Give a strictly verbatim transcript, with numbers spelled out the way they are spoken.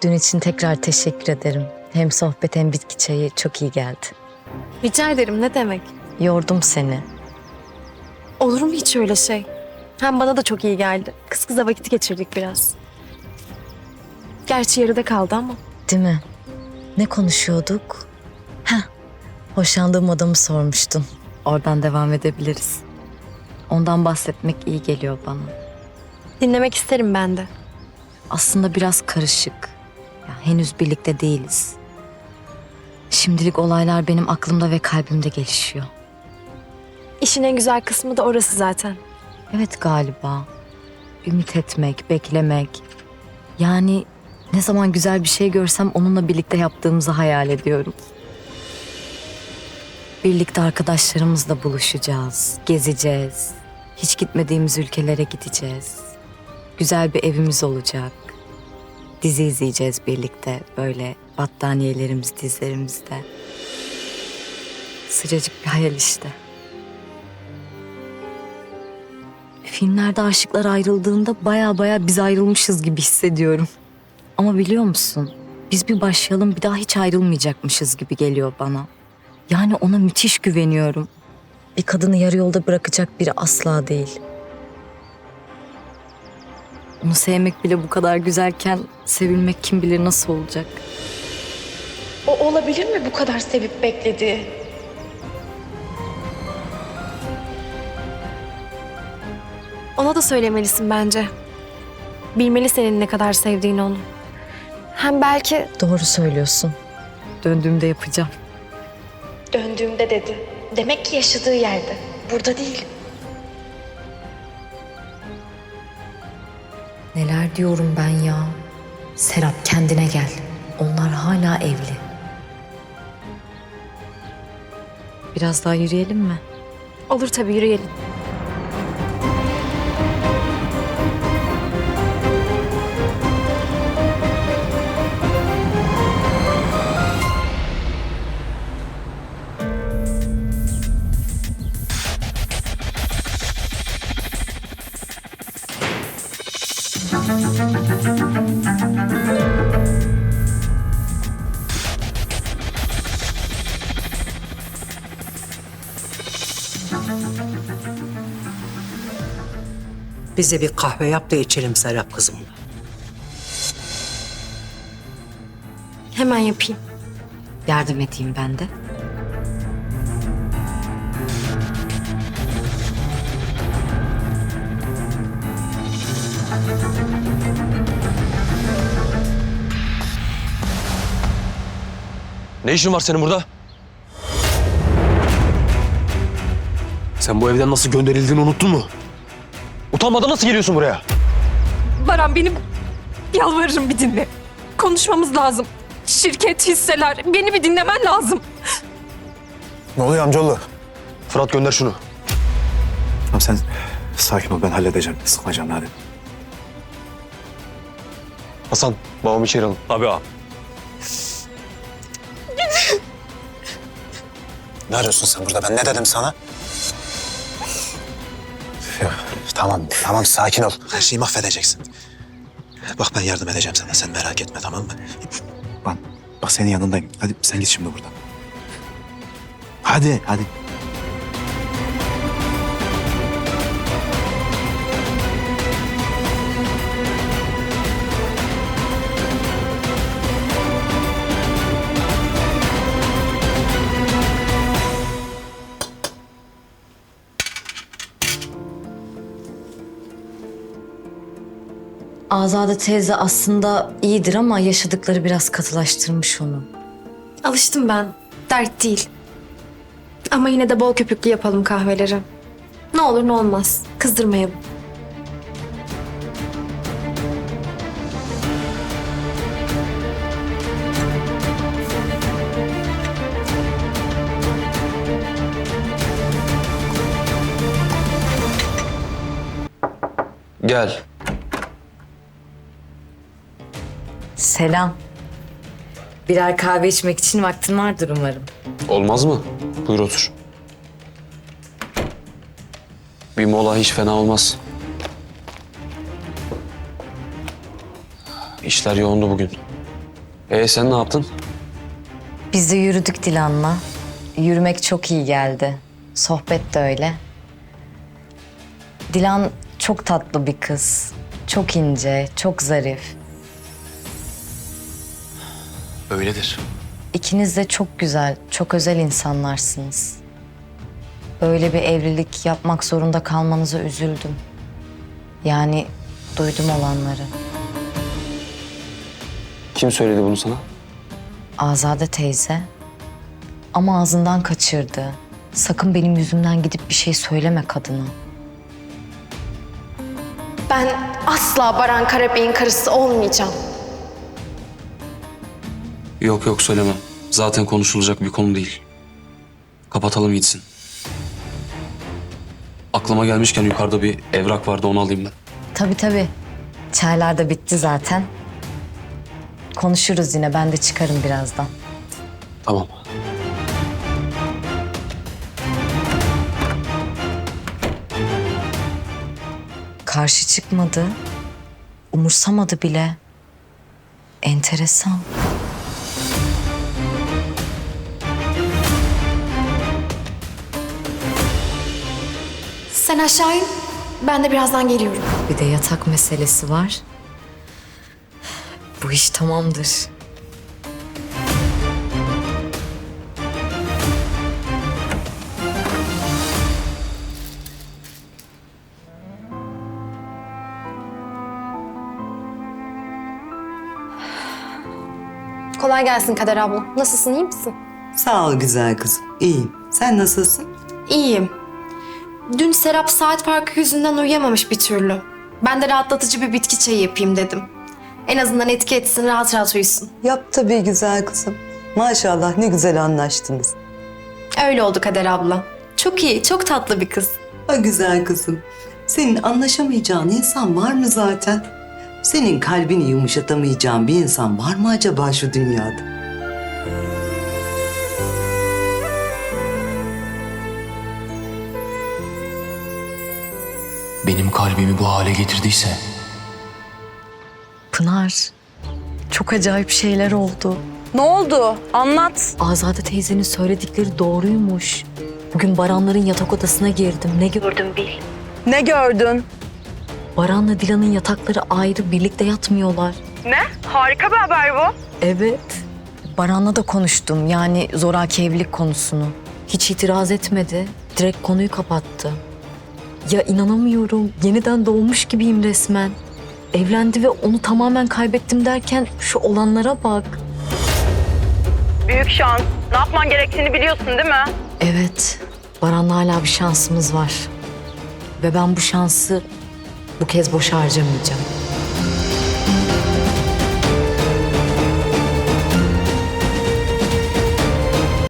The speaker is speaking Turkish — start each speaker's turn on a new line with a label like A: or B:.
A: Dün için tekrar teşekkür ederim. Hem sohbet hem bitki çayı çok iyi geldi.
B: Rica ederim, ne demek?
A: Yordum seni.
B: Olur mu hiç öyle şey? Hem bana da çok iyi geldi. Kız kıza vakit geçirdik biraz. Gerçi yarıda kaldı ama.
A: Değil mi? Ne konuşuyorduk? Heh, hoşlandığım adamı sormuştun. Oradan devam edebiliriz. Ondan bahsetmek iyi geliyor bana.
B: Dinlemek isterim ben de.
A: Aslında biraz karışık. Ya, henüz birlikte değiliz. Şimdilik olaylar benim aklımda ve kalbimde gelişiyor.
B: İşin en güzel kısmı da orası zaten.
A: Evet galiba. Ümit etmek, beklemek. Yani ne zaman güzel bir şey görsem onunla birlikte yaptığımızı hayal ediyorum. Birlikte arkadaşlarımızla buluşacağız, gezeceğiz. Hiç gitmediğimiz ülkelere gideceğiz. Güzel bir evimiz olacak. Dizi izleyeceğiz birlikte böyle battaniyelerimiz dizlerimizde. Sıcacık bir hayal işte. Filmlerde aşıklar ayrıldığında baya baya biz ayrılmışız gibi hissediyorum. Ama biliyor musun? Biz bir başlayalım bir daha hiç ayrılmayacakmışız gibi geliyor bana. Yani ona müthiş güveniyorum. Bir kadını yarı yolda bırakacak biri asla değil. Onu sevmek bile bu kadar güzelken sevilmek kim bilir nasıl olacak.
B: O olabilir mi bu kadar sevip beklediği? Ona da söylemelisin bence. Bilmeli senin ne kadar sevdiğini onu. Hem belki...
A: Doğru söylüyorsun. Döndüğümde yapacağım.
B: Döndüğümde dedi. Demek ki yaşadığı yerde. Burada değil.
A: Neler diyorum ben ya? Serap kendine gel. Onlar hala evli. Biraz daha yürüyelim mi?
B: Olur tabii, yürüyelim.
C: Bize bir kahve yap da içelim Serap kızım.
B: Hemen yapayım.
A: Yardım edeyim ben de.
D: Ne işin var senin burada? Sen bu evden nasıl gönderildiğini unuttun mu? Utanmadan nasıl geliyorsun buraya?
E: Baran, benim yalvarırım bir dinle. Konuşmamız lazım. Şirket, hisseler, beni bir dinlemen lazım.
F: Ne oluyor amcaoğlu?
D: Fırat gönder şunu.
F: Tamam sen sakin ol, ben halledeceğim. Sıkma canını hadi.
D: Hasan, babamı içeri alın. Tabii ağam.
F: Ne arıyorsun sen burada? Ben ne dedim sana? Ya, tamam, tamam sakin ol. Her şeyi mahvedeceksin. Bak ben yardım edeceğim sana. Sen merak etme, tamam mı? Bak, bak senin yanındayım. Hadi sen git şimdi buradan. Hadi, hadi.
A: Azade teyze aslında iyidir ama yaşadıkları biraz katılaştırmış onu.
B: Alıştım ben. Dert değil. Ama yine de bol köpüklü yapalım kahveleri. Ne olur ne olmaz. Kızdırmayalım.
D: Gel.
A: Selam. Birer kahve içmek için vaktin vardır umarım.
D: Olmaz mı? Buyur otur. Bir mola hiç fena olmaz. İşler yoğundu bugün. Ee sen ne yaptın?
A: Biz de yürüdük Dilan'la. Yürümek çok iyi geldi. Sohbet de öyle. Dilan çok tatlı bir kız. Çok ince, çok zarif.
D: Öyledir.
A: İkiniz de çok güzel, çok özel insanlarsınız. Böyle bir evlilik yapmak zorunda kalmanıza üzüldüm. Yani duydum olanları.
D: Kim söyledi bunu sana?
A: Azade teyze. Ama ağzından kaçırdı. Sakın benim yüzümden gidip bir şey söyleme kadına.
B: Ben asla Baran Karabey'in karısı olmayacağım.
D: Yok yok söylemem. Zaten konuşulacak bir konu değil. Kapatalım gitsin. Aklıma gelmişken yukarıda bir evrak vardı, onu alayım ben.
A: Tabii tabii. Çaylar da bitti zaten. Konuşuruz yine. Ben de çıkarım birazdan.
D: Tamam.
A: Karşı çıkmadı. Umursamadı bile. Enteresan.
B: Sen aşağı in. Ben de birazdan geliyorum.
A: Bir de yatak meselesi var. Bu iş tamamdır.
B: Kolay gelsin Kader abla. Nasılsın, iyi misin?
G: Sağ ol güzel kızım. İyiyim. Sen nasılsın?
B: İyiyim. Dün Serap saat farkı yüzünden uyuyamamış bir türlü. Ben de rahatlatıcı bir bitki çayı yapayım dedim. En azından etki etsin, rahat rahat uyusun.
G: Yap tabii güzel kızım. Maşallah ne güzel anlaştınız.
B: Öyle oldu Kader abla. Çok iyi, çok tatlı bir kız.
G: Ha güzel kızım. Senin anlaşamayacağın insan var mı zaten? Senin kalbini yumuşatamayacağın bir insan var mı acaba şu dünyada?
D: Benim kalbimi bu hale getirdiyse...
A: Pınar, çok acayip şeyler oldu.
E: Ne oldu? Anlat.
A: Azade teyzenin söyledikleri doğruymuş. Bugün Baranların yatak odasına girdim. Ne gördüm bil.
E: Ne gördün?
A: Baran'la Dilan'ın yatakları ayrı, birlikte yatmıyorlar.
E: Ne? Harika bir haber bu.
A: Evet. Baran'la da konuştum. Yani zoraki evlilik konusunu. Hiç itiraz etmedi. Direkt konuyu kapattı. Ya inanamıyorum. Yeniden doğmuş gibiyim resmen. Evlendi ve onu tamamen kaybettim derken şu olanlara bak.
E: Büyük şans. Ne yapman gerektiğini biliyorsun değil mi?
A: Evet. Baran'la hala bir şansımız var. Ve ben bu şansı bu kez boşa harcamayacağım.